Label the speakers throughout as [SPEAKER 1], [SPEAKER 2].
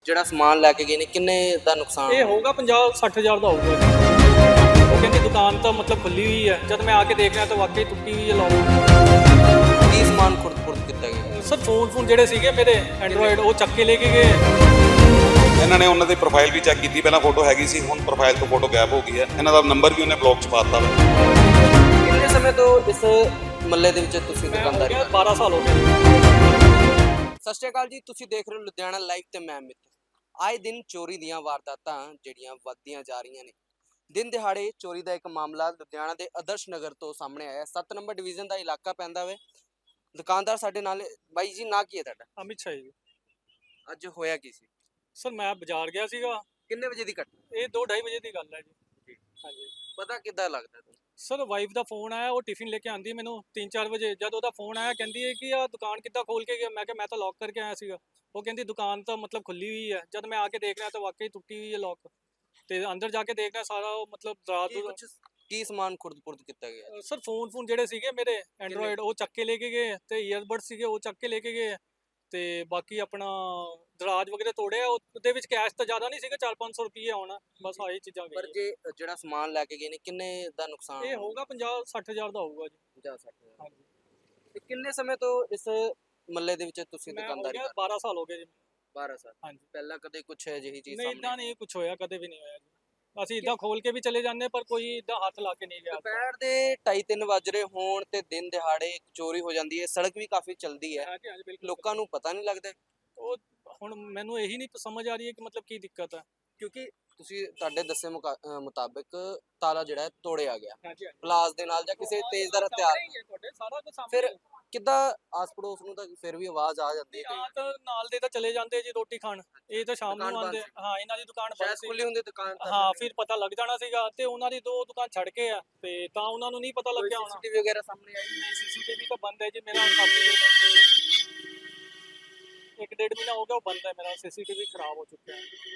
[SPEAKER 1] ਜਿਹੜਾ ਸਮਾਨ ਲੈ ਕੇ ਗਏ ਨੇ ਕਿੰਨੇ ਦਾ ਨੁਕਸਾਨ
[SPEAKER 2] ਇਹ ਹੋਊਗਾ 50-60 ਹਜ਼ਾਰ ਦਾ ਹੋਊਗਾ ਜੀ। ਉਹ ਕਹਿੰਦੀ ਦੁਕਾਨ ਤਾਂ ਮਤਲਬ ਖੁੱਲੀ ਹੋਈ ਹੈ, ਜਦ ਮੈਂ ਆ ਕੇ ਦੇਖ ਰਿਹਾ ਤਾਂ ਵਾਕਈ ਟੁੱਟੀ ਹੋਈ ਹੈ ਲੋਕ।
[SPEAKER 1] ਕੀ ਸਮਾਨ ਖੁਰਦ ਕੀਤਾ ਗਿਆ?
[SPEAKER 2] ਸਰ ਫੋਨ ਜਿਹੜੇ ਸੀਗੇ ਮੇਰੇ ਐਂਡਰੋਇਡ ਉਹ ਚੱਕ ਕੇ ਲੈ ਕੇ ਗਏ।
[SPEAKER 3] ਇਹਨਾਂ ਨੇ ਉਹਨਾਂ ਦੀ ਪ੍ਰੋਫਾਈਲ ਵੀ ਚੈੱਕ ਕੀਤੀ, ਪਹਿਲਾਂ ਫੋਟੋ ਹੈਗੀ ਸੀ, ਹੁਣ ਪ੍ਰੋਫਾਈਲ ਤੋਂ ਫੋਟੋ ਗਾਇਬ ਹੋ ਗਈ ਹੈ। ਇਹਨਾਂ ਦਾ ਨੰਬਰ ਵੀ ਉਹਨੇ ਬਲੌਕ 'ਚ ਪਾ ਦਿੱਤਾ ਵਾ।
[SPEAKER 1] ਕਿੰਨੇ ਸਮੇਂ ਤੋਂ ਇਸ ਮੱਲੇ ਦੇ ਵਿੱਚ ਤੁਸੀਂ ਦੁਕਾਨਦਾਰੀ
[SPEAKER 2] ਮੈਂ
[SPEAKER 1] ਕਰ ਰਹੇ
[SPEAKER 2] 12 ਸਾਲ ਹੋ ਗਏ।
[SPEAKER 1] ਹੋ? ਸਤਿ ਸ਼੍ਰੀ ਅਕਾਲ ਜੀ, ਤੁਸੀਂ ਦੇਖ ਰਹੇ ਹੋ ਲੁਧਿਆਣਾ ਲਾਈਵ ਤੇ ਮੈਂ ਅਮਿਤ। ਆਏ ਦਿਨ ਚੋਰੀ ਦੀਆਂ ਵਾਰਦਾਤਾਂ ਜਿਹੜੀਆਂ ਵੱਧਦੀਆਂ ਜਾ ਰਹੀਆਂ ਨੇ। ਦਿਨ ਦਿਹਾੜੇ ਚੋਰੀ ਦਾ ਇੱਕ ਮਾਮਲਾ ਲੁਧਿਆਣਾ ਦੇ ਆਦਰਸ਼ ਨਗਰ ਤੋਂ ਸਾਹਮਣੇ ਆਇਆ। 7 ਨੰਬਰ ਡਿਵੀਜ਼ਨ ਦਾ ਇਲਾਕਾ ਪੈਂਦਾ ਵੇ। ਦੁਕਾਨਦਾਰ ਸਾਡੇ ਨਾਲ ਬਾਈ ਜੀ, ਨਾਂ ਕੀ ਹੈ ਤੁਹਾਡਾ?
[SPEAKER 2] ਅਮਿਤ ਸ਼ਾਹ ਜੀ।
[SPEAKER 1] ਅੱਜ ਹੋਇਆ ਕੀ ਸੀ?
[SPEAKER 2] ਸਰ ਮੈਂ ਬਾਜ਼ਾਰ ਗਿਆ ਸੀਗਾ।
[SPEAKER 1] ਕਿੰਨੇ ਵਜੇ ਦੀ ਘਟਨਾ?
[SPEAKER 2] ਇਹ 2-2:30 ਵਜੇ ਦੀ ਗੱਲ ਹੈ ਜੀ। ਹਾਂਜੀ
[SPEAKER 1] ਪਤਾ ਕਿੱਦਾਂ ਲੱਗਦਾ ਤੁਹਾਨੂੰ?
[SPEAKER 2] ਸਰ ਵਾਈਫ ਦਾ ਫੋਨ ਆਇਆ, ਉਹ ਟਿਫਿਨ ਲੈ ਕੇ ਆਂਦੀ ਮੈਨੂੰ 3-4 ਵਜੇ। ਜਦ ਉਹਦਾ ਫੋਨ ਆਇਆ ਕਹਿੰਦੀ ਹੈ ਕਿ ਆ ਦੁਕਾਨ ਕਿੱਦਾਂ ਖੋਲ ਕੇ ਗਿਆ। ਮੈਂ ਕਿਹਾ ਮੈਂ ਤਾਂ ਲੌਕ ਕਰਕੇ ਆਇਆ ਸੀਗਾ। ਉਹ ਕਹਿੰਦੀ ਦੁਕਾਨ ਤਾਂ ਮਤਲਬ ਖੁੱਲੀ ਹੋਈ ਹੈ। ਜਦ ਮੈਂ ਆ ਕੇ ਦੇਖ ਰਿਹਾ ਤਾਂ ਵਾਕਈ ਟੁੱਟੀ ਹੋਈ ਹੈ ਲੋਕ। ਤੇ ਅੰਦਰ ਜਾ ਕੇ ਦੇਖਣਾ ਸਾਰਾ ਉਹ ਮਤਲਬ ਰਾਤ
[SPEAKER 1] ਕੀ ਸਮਾਨ ਖੁਰਦ ਕੀਤਾ ਗਿਆ?
[SPEAKER 2] ਸਰ ਫੋਨ ਜਿਹੜੇ ਸੀਗੇ ਮੇਰੇ ਐਂਡਰੋਇਡ ਉਹ ਚੱਕ ਕੇ ਲੈ ਕੇ ਗਏ, ਤੇ ਈਅਰਬਡ ਸੀਗੇ ਉਹ ਚੱਕ ਕੇ ਲੈ ਕੇ ਗਏ, ਤੇ ਬਾਕੀ ਆਪਣਾ ਦਰਾਜ ਵਗੈਰਾ ਤੋੜਿਆ। ਉਹਦੇ ਵਿੱਚ ਕੈਸ਼ ਤਾਂ ਜ਼ਿਆਦਾ ਨਹੀਂ ਸੀਗਾ, 400-500 ਰੁਪਏ ਹੋਣਾ ਬਸ, ਆਹੀ ਚੀਜ਼ਾਂ
[SPEAKER 1] ਪਰ
[SPEAKER 2] ਗਈਆਂ।
[SPEAKER 1] ਜਿਹੜਾ ਸਮਾਨ ਲੈ ਕੇ ਗਏ ਨੇ ਕਿੰਨੇ ਦਾ ਨੁਕਸਾਨ?
[SPEAKER 2] ਇਹ ਹੋਊਗਾ 50-60 ਹਜ਼ਾਰ ਦਾ ਹੋਊਗਾ ਜੀ।
[SPEAKER 1] 50-60
[SPEAKER 2] ਹਾਂਜੀ।
[SPEAKER 1] ਤੇ ਕਿੰਨੇ ਸਮੇਂ ਤੋਂ ਇਸ ਮੱਲੇ ਦੇ ਵਿੱਚ ਤੁਸੀਂ
[SPEAKER 2] ਮੈਂ ਹੋ
[SPEAKER 1] ਦੁਕਾਨਦਾਰੀ
[SPEAKER 2] ਗਿਆ
[SPEAKER 1] ਕਰ
[SPEAKER 2] 12 ਸਾਲ ਹੋ ਗਏ ਜੀ।
[SPEAKER 1] 12 ਸਾਲ?
[SPEAKER 2] ਹਾਂਜੀ।
[SPEAKER 1] ਪਹਿਲਾਂ ਕਦੇ ਕੁਛ ਅਜਿਹੀ ਚੀਜ਼
[SPEAKER 2] ਨਹੀਂ
[SPEAKER 1] ਸਾਹਮਣੇ?
[SPEAKER 2] ਇਦਾਂ ਨਹੀਂ ਕੁਝ ਹੋਇਆ, ਕਦੇ ਵੀ ਨਹੀਂ ਹੋਇਆ ਜੀ। ਅਸੀਂ ਇਦਾਂ ਖੋਲ ਕੇ ਵੀ ਚਲੇ ਜਾਂਦੇ ਪਰ ਕੋਈ ਇਦਾਂ ਹੱਥ ਲਾ ਕੇ ਨਹੀਂ ਗਿਆ।
[SPEAKER 1] ਦੁਪਹਿਰ ਦੇ 2:30-3 ਵੱਜ ਰਹੇ ਹੋਣ ਤੇ ਦਿਨ ਦਿਹਾੜੇ ਇੱਕ ਚੋਰੀ ਹੋ ਜਾਂਦੀ ਹੈ। ਸੜਕ ਵੀ ਕਾਫੀ ਚਲਦੀ ਹੈ,
[SPEAKER 2] ਹਾਂਜੀ ਹਾਂਜੀ ਬਿਲਕੁਲ।
[SPEAKER 1] ਲੋਕਾਂ ਨੂੰ ਪਤਾ ਨਹੀਂ ਲੱਗਦਾ।
[SPEAKER 2] ਉਹ ਹੁਣ ਮੈਨੂੰ ਇਹੀ ਨਹੀਂ ਸਮਝ ਆ ਰਹੀ ਹੈ ਕਿ ਮਤਲਬ ਕੀ ਦਿੱਕਤ ਹੈ।
[SPEAKER 1] ਕਿਉਂਕਿ ਤੁਸੀਂ ਤੁਹਾਡੇ ਦੱਸੇ ਮੁਤਾਬਿਕ ਤਾਲਾ ਜਿਹੜਾ ਹੈ ਤੋੜਿਆ ਗਿਆ
[SPEAKER 2] ਹਾਂਜੀ
[SPEAKER 1] ਪਲਾਸ ਦੇ ਨਾਲ ਜਾਂ ਕਿਸੇ ਤੇਜ਼ਦਾਰ ਹਥਿਆਰ ਨਾਲ।
[SPEAKER 2] ਤੁਹਾਡੇ ਸਾਰਾ ਕੁਝ ਸਾਹਮਣੇ
[SPEAKER 1] ਫਿਰ ਕਿੱਦਾਂ ਆਸ ਪੜੋਸ ਨੂੰ ਤਾਂ ਫਿਰ ਵੀ ਆਵਾਜ਼ ਆ ਜਾਂਦੀ ਹੈ?
[SPEAKER 2] ਤਾਂ ਨਾਲ ਦੇ ਤਾਂ ਚਲੇ ਜਾਂਦੇ ਜੀ ਰੋਟੀ ਖਾਣ। ਇਹ ਤਾਂ ਸ਼ਾਮ
[SPEAKER 1] ਦੁਕਾਨ
[SPEAKER 2] ਨੂੰ
[SPEAKER 1] ਬੰਦ
[SPEAKER 2] ਆਉਂਦੇ।
[SPEAKER 1] ਸੀ?
[SPEAKER 2] ਹਾਂ ਇਹਨਾਂ ਦੀ ਦੁਕਾਨ ਬੰਦ
[SPEAKER 1] ਸ਼ਾਇਦ
[SPEAKER 2] ਸੀ।
[SPEAKER 1] ਖੁੱਲੀ ਹੁੰਦੀ ਦੁਕਾਨ ਤਾਂ।
[SPEAKER 2] ਹਾਂ ਫਿਰ ਪਤਾ ਲੱਗ ਜਾਣਾ ਸੀਗਾ, ਤੇ ਉਹਨਾਂ ਦੀ 2 ਦੁਕਾਨ ਛੱਡ ਕੇ ਆ, ਤੇ ਤਾਂ ਉਹਨਾਂ ਨੂੰ ਨਹੀਂ ਪਤਾ ਲੱਗਿਆ ਹੋਣਾ।
[SPEAKER 1] ਸੀਸੀਟੀਵੀ ਵਗੈਰਾ ਸਾਹਮਣੇ ਆਈ?
[SPEAKER 2] ਸੀਸੀਟੀਵੀ ਤਾਂ ਬੰਦ ਹੈ ਜੀ ਮੇਰਾ, ਕਾਫੀ 1-1.5 ਮਹੀਨਾ ਹੋ ਗਿਆ ਉਹ ਬੰਦ ਹੈ ਮੇਰਾ। ਸੀਸੀਟੀਵੀ ਖਰਾਬ ਹੋ ਚੁੱਕਿਆ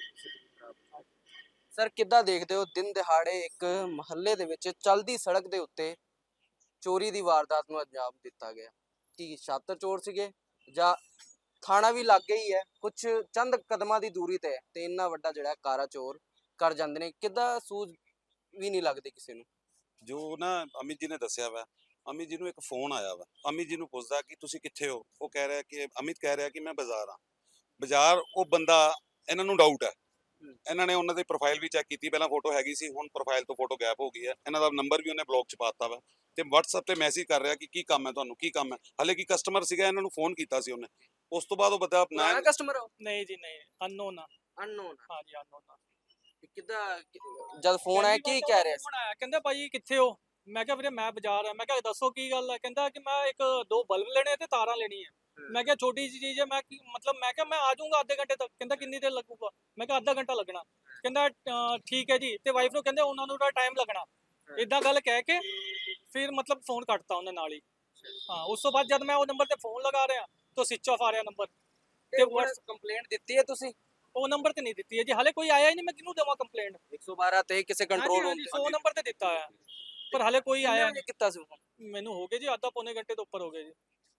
[SPEAKER 2] ਹੈ।
[SPEAKER 1] ਸਰ ਕਿੱਦਾਂ ਦੇਖਦੇ ਹੋ ਦਿਨ ਦਿਹਾੜੇ ਇੱਕ ਮਹੱਲੇ ਦੇ ਵਿੱਚ ਚਲਦੀ ਸੜਕ ਦੇ ਉੱਤੇ ਚੋਰੀ ਦੀ ਵਾਰਦਾਤ ਨੂੰ ਅੰਜਾਮ ਦਿੱਤਾ ਗਿਆ? ਕੀ ਛਾਤਰ ਚੋਰ ਸੀਗੇ ਜਾਂ ਥਾਣਾ ਵੀ ਲਾਗੇ ਹੀ ਹੈ, ਕੁਝ ਚੰਦ ਕਦਮਾਂ ਦੀ ਦੂਰੀ ਤੇ ਹੈ, ਤੇ ਇੰਨਾ ਵੱਡਾ ਜਿਹੜਾ ਕਾਰਾ ਚੋਰ ਕਰ ਜਾਂਦੇ ਨੇ? ਕਿੱਦਾਂ ਸੂਝ ਵੀ ਨਹੀਂ ਲੱਗਦੀ ਕਿਸੇ ਨੂੰ?
[SPEAKER 3] ਜੋ ਨਾ ਅਮਿਤ ਜੀ ਨੇ ਦੱਸਿਆ ਵਾ, ਅਮਿਤ ਜੀ ਨੂੰ ਇੱਕ ਫੋਨ ਆਇਆ ਵਾ। ਅਮਿਤ ਜੀ ਨੂੰ ਪੁੱਛਦਾ ਕਿ ਤੁਸੀਂ ਕਿੱਥੇ ਹੋ? ਉਹ ਕਹਿ ਰਿਹਾ ਕਿ ਅਮਿਤ ਕਹਿ ਰਿਹਾ ਕਿ ਮੈਂ ਬਾਜ਼ਾਰ ਆ। ਬਾਜ਼ਾਰ ਉਹ ਬੰਦਾ, ਇਹਨਾਂ ਨੂੰ ਡਾਊਟ ਹੈ। ਇਹਨਾਂ ਨੇ ਉਹਨਾਂ ਦੀ ਪ੍ਰੋਫਾਈਲ ਵੀ ਚੈੱਕ ਕੀਤੀ, ਪਹਿਲਾਂ ਫੋਟੋ ਹੈਗੀ ਸੀ, ਹੁਣ ਪ੍ਰੋਫਾਈਲ ਤੋਂ ਫੋਟੋ ਗਾਇਬ ਹੋ ਗਈ ਹੈ। ਇਹਨਾਂ ਦਾ ਨੰਬਰ ਵੀ ਉਹਨੇ ਬਲੌਕ 'ਚ ਪਾ ਦਿੱਤਾ ਵਾ, ਤੇ WhatsApp ਤੇ ਮੈਸੇਜ ਕਰ ਰਿਹਾ ਕਿ ਕੀ ਕੰਮ ਹੈ ਤੁਹਾਨੂੰ, ਕੀ ਕੰਮ ਹੈ। ਹਾਲੇ ਕੀ ਕਸਟਮਰ ਸੀਗਾ, ਇਹਨਾਂ ਨੂੰ ਫੋਨ ਕੀਤਾ ਸੀ ਉਹਨੇ। ਉਸ ਤੋਂ ਬਾਅਦ ਉਹ ਬੰਦਾ
[SPEAKER 1] ਪੁਰਾਣਾ ਕਸਟਮਰ ਹੋ?
[SPEAKER 2] ਨਹੀਂ ਜੀ ਨਹੀਂ, ਅਨਨੋਨ ਆ।
[SPEAKER 1] ਅਨਨੋਨ?
[SPEAKER 2] ਹਾਂ ਜੀ ਅਨਨੋਨ ਆ।
[SPEAKER 1] ਕਿੱਦਾਂ ਜਦ ਫੋਨ ਆਇਆ ਕੀ ਕਹਿ ਰਿਹਾ ਸੀ?
[SPEAKER 2] ਫੋਨ ਆਇਆ ਕਹਿੰਦਾ ਭਾਈ ਕਿੱਥੇ ਹੋ? ਮੈਂ ਕਿਹਾ ਵੀਰੇ ਮੈਂ ਬਾਜ਼ਾਰ ਆ। ਮੈਂ ਕਿਹਾ ਦੱਸੋ ਕੀ ਗੱਲ ਹੈ? ਕਹਿੰਦਾ ਕਿ ਮੈਂ 1-2 ਬਲਬ ਲੈਣੇ ਤੇ ਤਾਰਾਂ ਲੈਣੀ ਹੈ। ਮੈਂ ਕਿਹਾ ਛੋਟੀ ਜਿਹੀ ਚੀਜ਼ ਹੈ, ਮੈਂ ਮਤਲਬ ਮੈਂ ਕਿਹਾ ਮੈਂ ਆ ਜਾਊਂਗਾ ਅੱਧੇ ਘੰਟੇ ਤੱਕ। ਕਹਿੰਦਾ ਕਿੰਨੀ ਦੇਰ ਲੱਗੂਗਾ? ਮੈਂ ਕਿਹਾ ਅੱਧਾ ਘੰਟਾ ਲੱਗਣਾ। ਕਹਿੰਦਾ ਠੀਕ ਹੈ ਜੀ। ਤੇ ਵਾਈਫ ਨੂੰ ਕਹਿੰਦੇ ਉਹਨਾਂ ਨੂੰ ਤਾਂ ਟਾਈਮ ਲੱਗਣਾ। ਇਦਾਂ ਗੱਲ ਕਹਿ ਕੇ ਫਿਰ ਮਤਲਬ ਫੋਨ ਕੱਟਤਾ ਉਹਨੇ ਨਾਲ ਹੀ। ਹਾਂ ਉਸ ਤੋਂ ਬਾਅਦ ਜਦ ਮੈਂ ਉਹ ਨੰਬਰ ਤੇ ਫੋਨ ਲਗਾ ਰਿਹਾ ਤਾਂ ਸਵਿਚ ਆਫ ਆ ਰਿਹਾ ਨੰਬਰ।
[SPEAKER 1] ਤੇ ਕੰਪਲੇਂਟ ਦਿੱਤੀ ਹੈ ਤੁਸੀਂ?
[SPEAKER 2] ਉਹ ਨੰਬਰ ਤੇ ਨਹੀਂ ਦਿੱਤੀ ਹੈ ਜੀ, ਹਾਲੇ ਕੋਈ ਆਇਆ ਹੀ ਨਹੀਂ। ਮੈਂ ਕਿਹਨੂੰ ਦੇਵਾਂ ਕੰਪਲੇਂਟ?
[SPEAKER 1] 112 ਤੇ ਕਿਸੇ ਕੰਟਰੋਲ ਰੂਮ ਤੇ?
[SPEAKER 2] 100 ਨੰਬਰ ਤੇ ਦਿੱਤਾ ਹੈ ਪਰ ਹਾਲੇ ਕੋਈ ਆਇਆ ਨਹੀਂ।
[SPEAKER 1] ਕੀਤਾ ਸੀ ਫੋਨ?
[SPEAKER 2] ਮੈਨੂੰ ਹੋ ਗਏ ਜੀ ਅੱਧਾ-ਪੌਣੇ ਘੰਟੇ ਤੋਂ ਉੱਪਰ ਹੋ ਗਏ ਜੀ।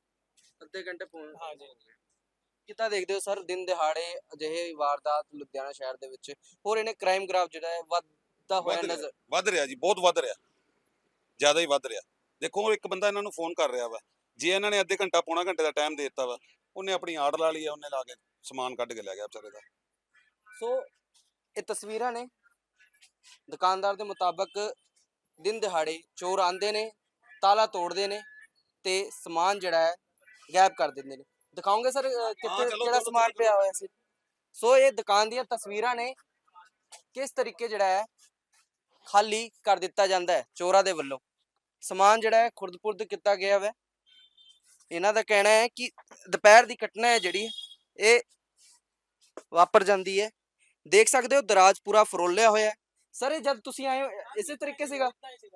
[SPEAKER 1] ਅੱਧੇ ਘੰਟੇ ਫੋਨ?
[SPEAKER 2] ਹਾਂ ਜੀ।
[SPEAKER 1] ਕਿੱਦਾਂ ਦੇਖਦੇ ਹੋ ਸਰ ਦਿਨ ਦਿਹਾੜੇ ਅਜਿਹੇ ਵਾਰਦਾਤ ਲੁਧਿਆਣਾ ਸ਼ਹਿਰ ਦੇ ਵਿੱਚ ਹੋਰ ਇਹਨੇ ਕ੍ਰਾਈਮ ਗ੍ਰਾਫ ਜਿਹੜਾ ਹੈ ਵੱਧਦਾ ਹੋਇਆ ਨਜ਼ਰ?
[SPEAKER 3] ਵੱਧ ਰਿਹਾ ਜੀ, ਬਹੁਤ ਵੱਧ ਰਿਹਾ, ਜ਼ਿਆਦਾ ਹੀ ਵੱਧ ਰਿਹਾ। ਦੇਖੋ ਇੱਕ ਬੰਦਾ ਇਹਨਾਂ ਨੂੰ ਫੋਨ ਕਰ ਰਿਹਾ ਵਾ, ਜੇ ਇਹਨਾਂ ਨੇ ਅੱਧੇ ਘੰਟਾ ਪੌਣਾ ਘੰਟੇ ਦਾ ਟਾਈਮ ਦੇ ਦਿੱਤਾ ਵਾ, ਉਹਨੇ ਆਪਣੀ ਆੜ ਲਾ ਲਈ ਆ, ਉਹਨੇ ਲਾ ਕੇ ਸਮਾਨ ਕੱਢ ਕੇ ਲੈ ਗਿਆ ਵਿਚਾਰੇ ਦਾ।
[SPEAKER 1] ਸੋ ਇਹ ਤਸਵੀਰਾਂ ਨੇ। ਦੁਕਾਨਦਾਰ ਦੇ ਮੁਤਾਬਕ ਦਿਨ ਦਿਹਾੜੇ ਚੋਰ ਆਂਦੇ ਨੇ, ਤਾਲਾ ਤੋੜਦੇ ਨੇ ਤੇ ਸਮਾਨ ਜਿਹੜਾ ਹੈ ਗਾਇਬ ਕਰ ਦਿੰਦੇ ਨੇ। ਦਿਖਾਓਗੇ ਸਰ ਕਿੱਥੇ ਕਿਹੜਾ ਸਮਾਨ ਪਿਆ ਹੋਇਆ ਸੀ? ਸੋ ਇਹ ਦੁਕਾਨ ਦੀਆਂ ਤਸਵੀਰਾਂ ਨੇ, ਕਿਸ ਤਰੀਕੇ ਜਿਹੜਾ ਹੈ ਖਾਲੀ ਕਰ ਦਿੱਤਾ ਜਾਂਦਾ ਹੈ ਚੋਰਾਂ ਦੇ ਵੱਲੋਂ। ਸਮਾਨ ਜਿਹੜਾ ਹੈ ਖੁਰਦ-ਪੁਰਦ ਕੀਤਾ ਗਿਆ ਵਾ। ਇਹਨਾਂ ਦਾ ਕਹਿਣਾ ਹੈ ਕਿ ਦੁਪਹਿਰ ਦੀ ਘਟਨਾ ਹੈ ਜਿਹੜੀ ਇਹ ਵਾਪਰ ਜਾਂਦੀ ਹੈ। ਦੇਖ ਸਕਦੇ ਹੋ ਦਰਾਜ ਪੂਰਾ ਫਰੋਲਿਆ ਹੋਇਆ ਹੈ। ਸਰ ਇਹ ਜਦ ਤੁਸੀਂ ਆਏ ਹੋ ਇਸੇ ਤਰੀਕੇ ਸੀਗਾ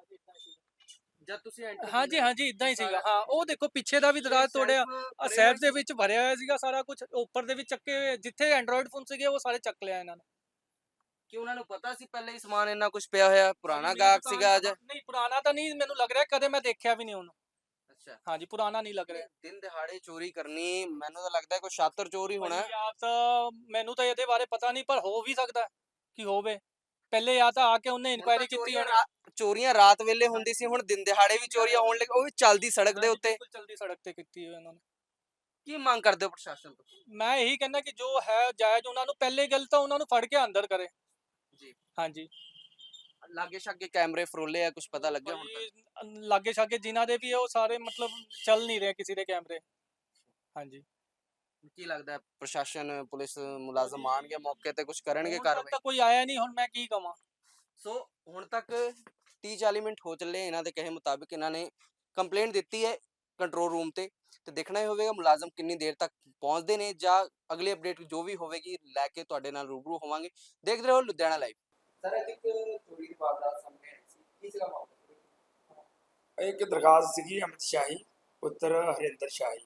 [SPEAKER 1] ਜਦ ਤੁਸੀਂ ਐਂਟਰ?
[SPEAKER 2] ਹਾਂਜੀ ਹਾਂਜੀ ਇਦਾਂ ਹੀ ਸੀਗਾ। ਹਾਂ ਉਹ ਦੇਖੋ ਪਿੱਛੇ ਦਾ ਵੀ ਦਰਾਜ ਤੋੜਿਆ, ਸੈਫ ਦੇ ਵਿੱਚ ਭਰਿਆ ਹੋਇਆ ਸੀਗਾ ਸਾਰਾ ਕੁਝ। ਉੱਪਰ ਦੇ ਵਿੱਚ ਚੱਕੇ ਹੋਏ ਜਿੱਥੇ ਐਂਡਰੋਇਡ ਫੋਨ ਸੀਗੇ ਉਹ ਸਾਰੇ ਚੱਕ ਲਿਆ ਇਹਨਾਂ ਨੇ।
[SPEAKER 1] ਕਿ ਉਹਨਾਂ ਨੂੰ ਪਤਾ ਸੀ ਪਹਿਲੇ ਹੀ ਸਮਾਨ ਇੰਨਾ ਕੁਝ ਪਿਆ ਹੋਇਆ? ਪੁਰਾਣਾ ਗਾਹਕ ਸੀਗਾ ਅੱਜ?
[SPEAKER 2] ਨਹੀਂ ਪੁਰਾਣਾ ਤਾਂ ਨਹੀਂ ਮੈਨੂੰ ਲੱਗ ਰਿਹਾ, ਕਦੇ ਮੈਂ ਦੇਖਿਆ ਵੀ ਨਹੀਂ ਉਹਨੂੰ।
[SPEAKER 1] ਅੱਛਾ
[SPEAKER 2] ਹਾਂਜੀ ਪੁਰਾਣਾ ਨਹੀਂ ਲੱਗ ਰਿਹਾ।
[SPEAKER 1] ਦਿਨ ਦਿਹਾੜੇ ਚੋਰੀ ਕਰਨੀ, ਮੈਨੂੰ ਤਾਂ ਲੱਗਦਾ ਕੋਈ ਸ਼ਾਤਰ ਚੋਰ ਹੀ ਹੋਣਾ ਹੈ।
[SPEAKER 2] ਭਾਜੀ ਜਾਂ ਤਾਂ ਮੈਨੂੰ ਤਾਂ ਇਹਦੇ ਬਾਰੇ ਪਤਾ ਨਹੀਂ, ਪਰ ਹੋ ਵੀ ਸਕਦਾ ਕਿ ਹੋਵੇ। ਪਹਿਲੇ ਜਾਂ ਤਾਂ ਆ ਕੇ ਉਹਨੇ
[SPEAKER 1] ਹੁਣ ਤਾਂ
[SPEAKER 2] ਇਨਕੁਆਇਰੀ ਕੀਤੀ ਹੋਣੀ।
[SPEAKER 1] ਚੋਰੀਆਂ ਰਾਤ ਵੇਲੇ ਹੁੰਦੀ ਸੀ, ਹੁਣ ਦਿਨ ਦਿਹਾੜੇ ਵੀ ਚੋਰੀਆਂ ਹੋਣ ਲੱਗ, ਉਹ ਵੀ ਚੱਲਦੀ ਸੜਕ ਦੇ
[SPEAKER 2] ਹਾਂਜੀ,
[SPEAKER 1] ਉੱਤੇ।
[SPEAKER 2] ਬਿਲਕੁਲ ਚਲਦੀ ਸੜਕ ਤੇ ਕੀਤੀ ਹੋਈ ਉਹਨਾਂ ਨੇ।
[SPEAKER 1] ਕੀ ਮੰਗ ਕਰਦੇ ਹੋ ਪ੍ਰਸ਼ਾਸਨ ਤੋਂ?
[SPEAKER 2] ਮੈਂ ਇਹੀ ਕਹਿੰਦਾ ਕਿ ਜੋ ਹੈ ਜਾਇਜ਼, ਉਹਨਾਂ ਨੂੰ ਪਹਿਲੇ ਗੱਲ ਤਾਂ ਉਹਨਾਂ ਨੂੰ ਫੜ ਕੇ ਅੰਦਰ ਕਰੇ।
[SPEAKER 1] ਜੀ।
[SPEAKER 2] ਹਾਂਜੀ
[SPEAKER 1] ਲਾਗੇ ਛਾਗੇ ਕੈਮਰੇ ਫਰੋਲੇ ਆ, ਕੁਝ ਪਤਾ ਲੱਗਿਆ ਹੁਣ ਤੱਕ?
[SPEAKER 2] ਭਾਜੀ, ਲਾਗੇ ਛਾਗੇ ਜਿਨ੍ਹਾਂ ਦੇ ਵੀ ਆ, ਉਹ ਸਾਰੇ ਮਤਲਬ ਚੱਲ ਨਹੀਂ ਰਹੇ ਕਿਸੇ ਦੇ ਕੈਮਰੇ। ਹਾਂਜੀ
[SPEAKER 1] ਕੀ ਲੱਗਦਾ ਹੈ ਪ੍ਰਸ਼ਾਸਨ ਪੁਲਿਸ ਮੁਲਾਜ਼ਮ ਆਣਗੇ ਮੌਕੇ ਤੇ, ਕੁਝ ਕਰਨਗੇ
[SPEAKER 2] ਹੁਣ ਤੱਕ
[SPEAKER 1] ਕਾਰਵਾਈ?
[SPEAKER 2] ਤਾਂ ਕੋਈ ਆਇਆ ਨਹੀਂ, ਹੁਣ ਮੈਂ ਕੀ ਕਵਾਂ।
[SPEAKER 1] ਸੋ ਹੁਣ ਤੱਕ 30-40 ਮਿੰਟ ਹੋ ਚੱਲੇ, ਇਹਨਾਂ ਦੇ ਕਹੇ ਮੁਤਾਬਿਕ ਇਹਨਾਂ ਨੇ ਕੰਪਲੇਂਟ ਦਿੱਤੀ ਹੈ ਕੰਟਰੋਲ ਰੂਮ ਤੇ ਦੇਖਣਾ ਹੀ ਹੋਵੇਗਾ ਮੁਲਾਜ਼ਮ ਕਿੰਨੀ ਦੇਰ ਤੱਕ ਪਹੁੰਚਦੇ ਨੇ, ਜਾਂ ਅਗਲੀ ਅਪਡੇਟ ਜੋ ਵੀ ਹੋਵੇਗੀ ਲੈ ਕੇ ਤੁਹਾਡੇ ਨਾਲ ਰੂਬਰੂ ਹੋਵਾਂਗੇ। ਦੇਖਦੇ ਰਹੋ ਲੁਧਿਆਣਾ ਲਾਈਵ। ਸਰ ਅੱਜ ਇੱਕ ਚੋਰੀ ਦੀ ਵਾਰਦਾਤ ਸਾਹਮਣੇ ਆਈ ਸੀ, ਕੀ ਸੀਗਾ ਮਾਮਲਾ?
[SPEAKER 4] ਇੱਕ ਦਰਖਾਸਤ ਸੀਗੀ ਅਮਿਤ ਸ਼ਾਹੀ ਪੁੱਤਰ ਹਰਿੰਦਰ ਸ਼ਾਹੀ,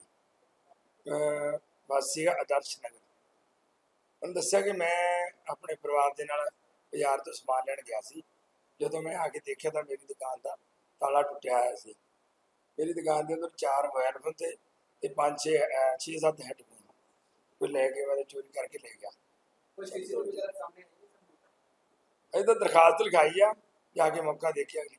[SPEAKER 4] ਵਾਸੀ ਆਦਰਸ਼ ਨਗਰ। ਉਹਨੂੰ ਦੱਸਿਆ ਕਿ ਮੈਂ ਆਪਣੇ ਪਰਿਵਾਰ ਦੇ ਨਾਲ ਬਾਜ਼ਾਰ ਤੋਂ ਸਮਾਨ ਲੈਣ ਗਿਆ ਸੀ। ਜਦੋਂ ਮੈਂ ਆ ਕੇ ਦੇਖਿਆ ਤਾਂ ਮੇਰੀ ਦੁਕਾਨ ਦਾ ਤਾਲਾ ਟੁੱਟਿਆ ਹੋਇਆ ਸੀ। ਮੇਰੀ ਦੁਕਾਨ ਦੇ ਅੰਦਰ 4 ਮੋਬਾਈਲ ਫੋਨ ਤੇ 6-7 ਹੈਡਫੋਨ ਕੋਈ ਲੈ ਕੇ ਮੈਂ ਚੋਰੀ ਕਰਕੇ ਲੈ ਗਿਆ।
[SPEAKER 1] ਕੁਝ ਸੀਸੀਟੀਵੀ ਵਗੈਰਾ ਸਾਹਮਣੇ
[SPEAKER 4] ਅਜੇ ਤਾਂ ਦਰਖਾਸਤ ਲਿਖਾਈ ਆ, ਜਾ ਕੇ ਮੌਕਾ ਦੇਖਿਆ ਅਗਲੀ